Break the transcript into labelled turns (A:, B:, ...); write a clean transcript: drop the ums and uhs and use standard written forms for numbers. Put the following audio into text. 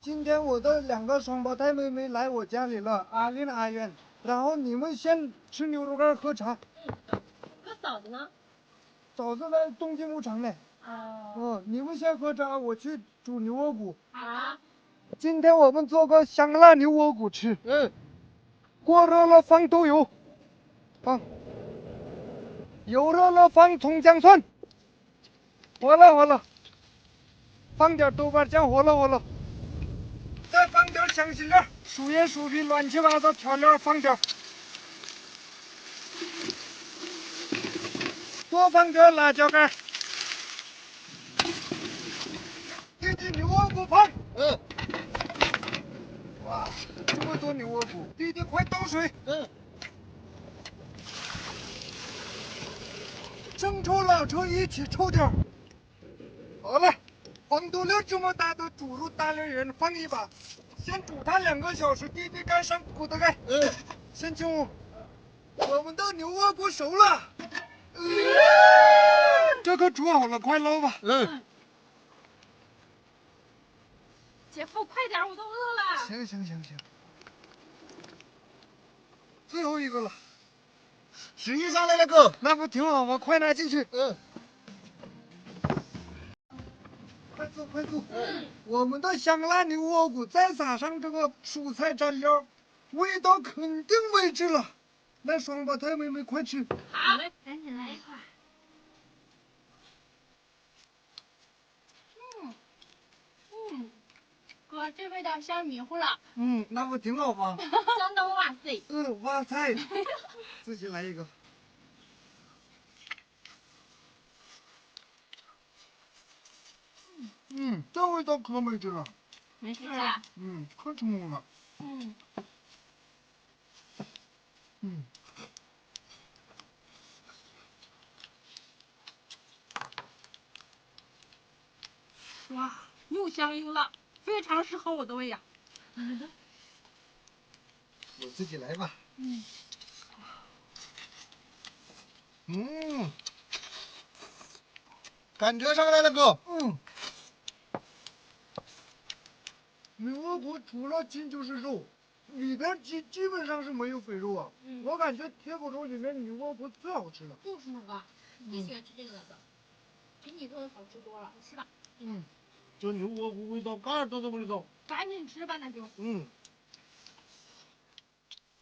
A: 今天我的2个双胞胎妹妹来我家里了，阿丽阿渊。然后你们先吃牛肉干喝茶。
B: 那嫂子呢？
A: 嫂子在东京牧场呢。你们先喝茶，我去煮牛窝骨。
B: 好。
A: 今天我们做个香辣牛窝骨吃。锅热了放豆油，油热了放葱姜蒜，火了，放点豆瓣酱，火了，再放点香辛料、薯叶、薯皮，乱七八糟调料放点，多放点辣椒干，弟弟牛窝骨泡。哇，这么多牛窝骨，弟弟快倒水。生抽、老抽一起抽点。好了，黄豆粒这么大的猪肉大连人放一把，先煮它2个小时，弟弟盖上骨头盖。先请我们的牛窝骨熟了。这可煮好了，快捞吧。
B: 姐夫，快点，我都饿了。
A: 行。最后一个了。
C: 食欲上来了，哥。
A: 那不挺好吗？快拿进去。快坐。我们的香辣牛窝骨再撒上这个蔬菜蘸料，味道肯定没治了。来，双胞胎妹妹快吃。
B: 好嘞，赶紧来一块。哥，这味道香迷糊了。
A: 那不挺好吗？
B: 香的哇塞。
A: 哇塞，自己来一个。这味道可没治了。
B: 没事啊。
A: 可成功了。
B: 哇，又香又辣，非常适合我的胃呀。
A: 我自己来吧。
C: 感觉上来了，哥。
A: 牛窝骨除了筋就是肉，里边基本上是没有肥肉啊。我感觉铁骨肉里面牛窝骨最好吃了。
B: 就是那个，你喜欢吃这个的，比你做的好吃多了，你吃吧。
C: 这牛窝骨味道嘎都这么的重。
B: 赶紧吃吧，那就。